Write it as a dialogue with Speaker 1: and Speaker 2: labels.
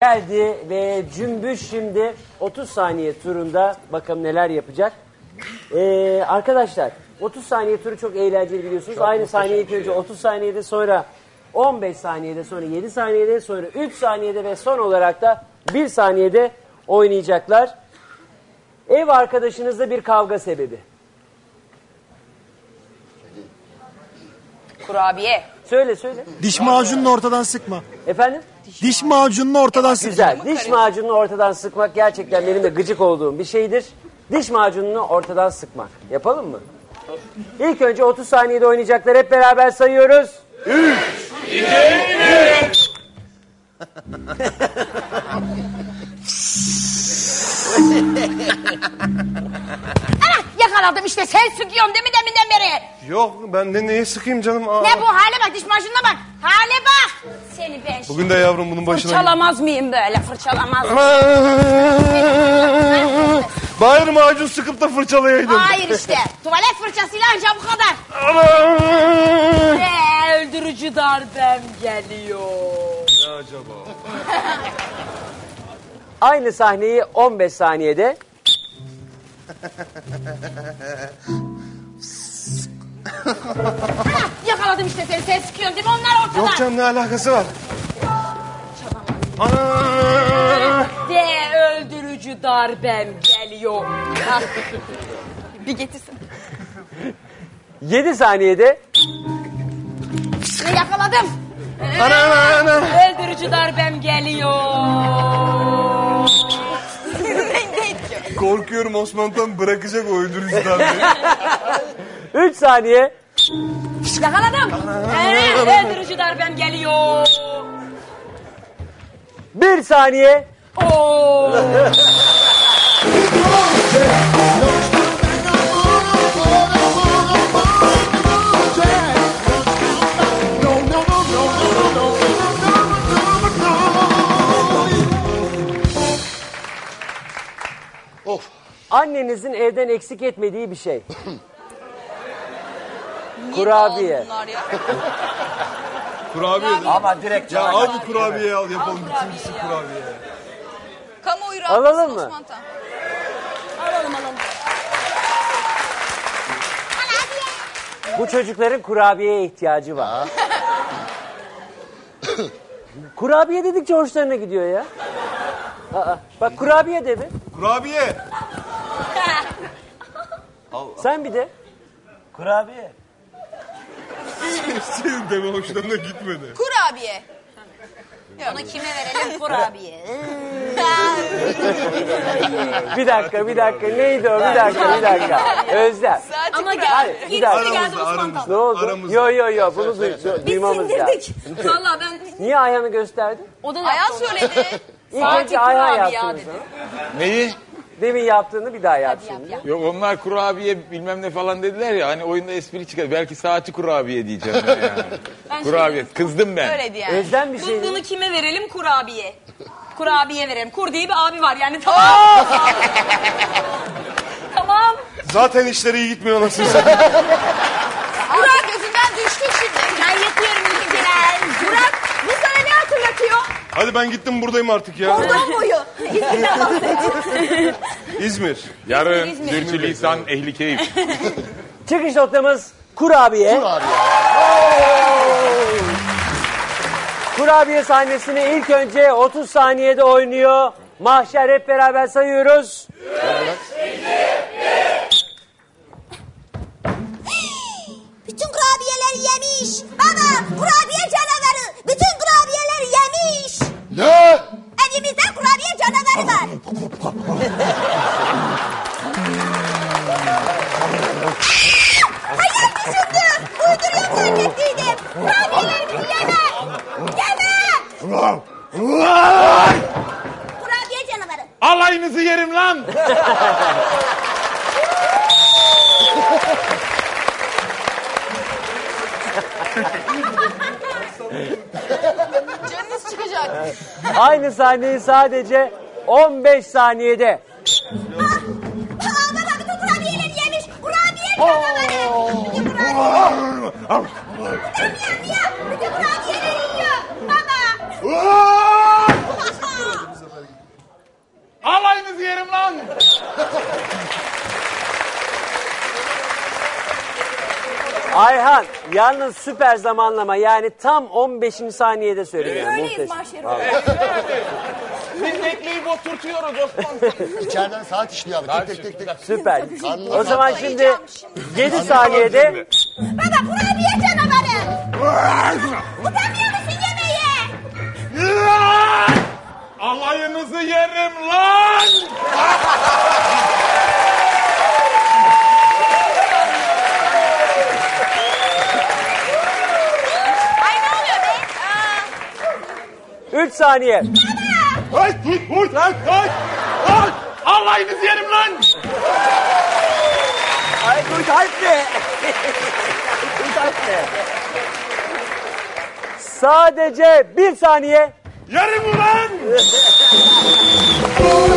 Speaker 1: Geldi ve Cümbüş şimdi 30 saniye turunda bakalım neler yapacak. Arkadaşlar 30 saniye turu çok eğlenceli biliyorsunuz. Aynı saniyeyi ilk önce 30 saniyede, sonra 15 saniyede, sonra 7 saniyede, sonra 3 saniyede ve son olarak da 1 saniyede oynayacaklar. Ev arkadaşınızla bir kavga sebebi.
Speaker 2: Kurabiye.
Speaker 1: Söyle söyle.
Speaker 3: Diş macununu ortadan sıkma.
Speaker 1: Efendim?
Speaker 3: Diş macununu ortadan sıkma.
Speaker 1: Güzel. Diş macununu ortadan sıkmak gerçekten benim de gıcık olduğum bir şeydir. Diş macununu ortadan sıkmak. Yapalım mı? İlk önce 30 saniyede oynayacaklar. Hep beraber sayıyoruz. 3, 2, 1.
Speaker 2: Yakaladım işte, sen sıkıyorsun değil mi deminden beri?
Speaker 4: Yok, ben de neye sıkayım canım? Aa.
Speaker 2: Ne bu hale bak, diş macununa bak. Hale bak. Seni ben
Speaker 4: Bugün de yavrum bunun başına...
Speaker 2: fırçalamaz mıyım böyle, fırçalamaz mıyım?
Speaker 4: Bari macun sıkıp da fırçalayaydım.
Speaker 2: Hayır işte, tuvalet fırçasıyla anca bu kadar. Öldürücü darbem geliyor.
Speaker 4: Ne acaba?
Speaker 1: Aynı sahneyi 15 saniyede.
Speaker 2: Yakaladım işte seni, sen sıkıyorsun değil mi? Onlar ortada.
Speaker 4: Yok canım, ne alakası var?
Speaker 2: De öldürücü darbem geliyor. Bir getirsin.
Speaker 1: 7 saniyede.
Speaker 2: Ne yakaladım?
Speaker 4: Ana.
Speaker 2: Öldürücü darbem geliyor.
Speaker 4: Korkuyorum Osman'dan bırakacak o öldürücüden beni.
Speaker 1: 3 saniye.
Speaker 2: Yakaladım. Öldürücü darbem geliyor.
Speaker 1: 1 saniye.
Speaker 2: Oo.
Speaker 4: Of.
Speaker 1: Annenizin evden eksik etmediği bir şey. Kurabiye.
Speaker 4: Kurabiye değil mi?
Speaker 5: Ama direkt
Speaker 4: Ya
Speaker 5: sana
Speaker 4: al
Speaker 5: gel.
Speaker 4: bu kurabiyeyi al yapalım. Birincisi kurabiye.
Speaker 6: Kamuoyu
Speaker 1: Alalım
Speaker 6: rahatsız
Speaker 1: mı?
Speaker 6: Osman Tan.
Speaker 2: Alalım.
Speaker 1: Bu çocukların kurabiyeye ihtiyacı var. Kurabiye dedikçe hoşlarına gidiyor ya. Aa, bak kurabiye de mi?
Speaker 4: Kurabiye.
Speaker 1: Sen bir de.
Speaker 5: Kurabiye.
Speaker 4: Senin deme hoşlarına gitmedi.
Speaker 6: Kurabiye.
Speaker 2: Onu kime verelim kurabiye?
Speaker 1: Bir dakika. Neydi o? Bir dakika. Özlem.
Speaker 2: Ama
Speaker 1: Hayır, bir dakika.
Speaker 2: geldi Osman Tan.
Speaker 1: Ne oldu?
Speaker 4: Aramızda.
Speaker 1: Yo. Bunu duymamız lazım.
Speaker 2: Valla ben...
Speaker 1: Niye Ayhan'ı gösterdin?
Speaker 2: O da
Speaker 6: Ayhan söyledi.
Speaker 1: İlk önce Ayhan
Speaker 2: kurabiye
Speaker 1: yaptınız.
Speaker 2: dedi.
Speaker 7: Neyi?
Speaker 1: Demin yaptığını bir daha yapsın.
Speaker 7: Yok onlar kurabiye bilmem ne falan dediler ya hani oyunda espri çıkar. Belki saati kurabiye diyeceğim ben yani. Kurabiye. Kızdım ben.
Speaker 6: Öyleydi yani.
Speaker 1: Özlem bir şey.
Speaker 2: Bunu kime verelim? Kurabiye. Kurabiye verelim. Kur diye bir abi var yani, tamam. Tamam.
Speaker 4: Zaten işleri iyi gitmiyor anasını satayım.
Speaker 6: Burak gözünden düştü şimdi.
Speaker 2: Ben yatıyorum bizimkiler.
Speaker 6: Burak bu sana ne hatırlatıyor?
Speaker 4: Hadi ben gittim, buradayım artık ya.
Speaker 6: Kordon boyu. İzmir'den bahset.
Speaker 4: İzmir.
Speaker 7: Yarın
Speaker 2: İzmir.
Speaker 7: Sürçülisan ehli keyif.
Speaker 1: Çıkış noktamız kurabiye. Kurabiye sahnesini ilk önce 30 saniyede oynuyor. Mahşer hep beraber sayıyoruz.
Speaker 8: Bütün kurabiyeleri yemiş. Baba, kurabiye canavarı. Bütün kurabiyeleri yemiş.
Speaker 4: Ne?
Speaker 8: Evimizde kurabiye canavarı var. Hayal düşündüm. Uyduruyorum zannettiydim. Kurabiyelerimizi yeme. Yeme. Kurabiye canavarı.
Speaker 7: Alayınızı yerim lan.
Speaker 6: Canınız çıkacak.
Speaker 1: Aynı sahneyi sadece 15 saniyede.
Speaker 8: Baba bütün kurabiyeleri yemiş. Kurabiye canavarı. Bütün kurabiyeleri. Bütün kurabiyeleri yiyor. Baba.
Speaker 7: yerim lan.
Speaker 1: Ayhan yalnız süper zamanlama yani tam 15. saniyede söylüyor.
Speaker 2: Öyleyiz mahşeri.
Speaker 7: Biz bekleyip oturtuyoruz Osman.
Speaker 5: İçeriden saat işliyor abi. Tek tek tek tek.
Speaker 1: Süper.
Speaker 5: Karnına
Speaker 1: O zaman şimdi 7 saniyede
Speaker 8: Baba kurabiye canavarı. Utanmıyor musun yemeğe?
Speaker 7: Alayınızı yerim lan.
Speaker 6: Ay ne oluyor be?
Speaker 1: 3 saniye.
Speaker 7: Ay, alayınızı yerim lan.
Speaker 1: Ay dur kalp ne? Dur kalp ne? Sadece 1 saniye.
Speaker 7: Yerim lan.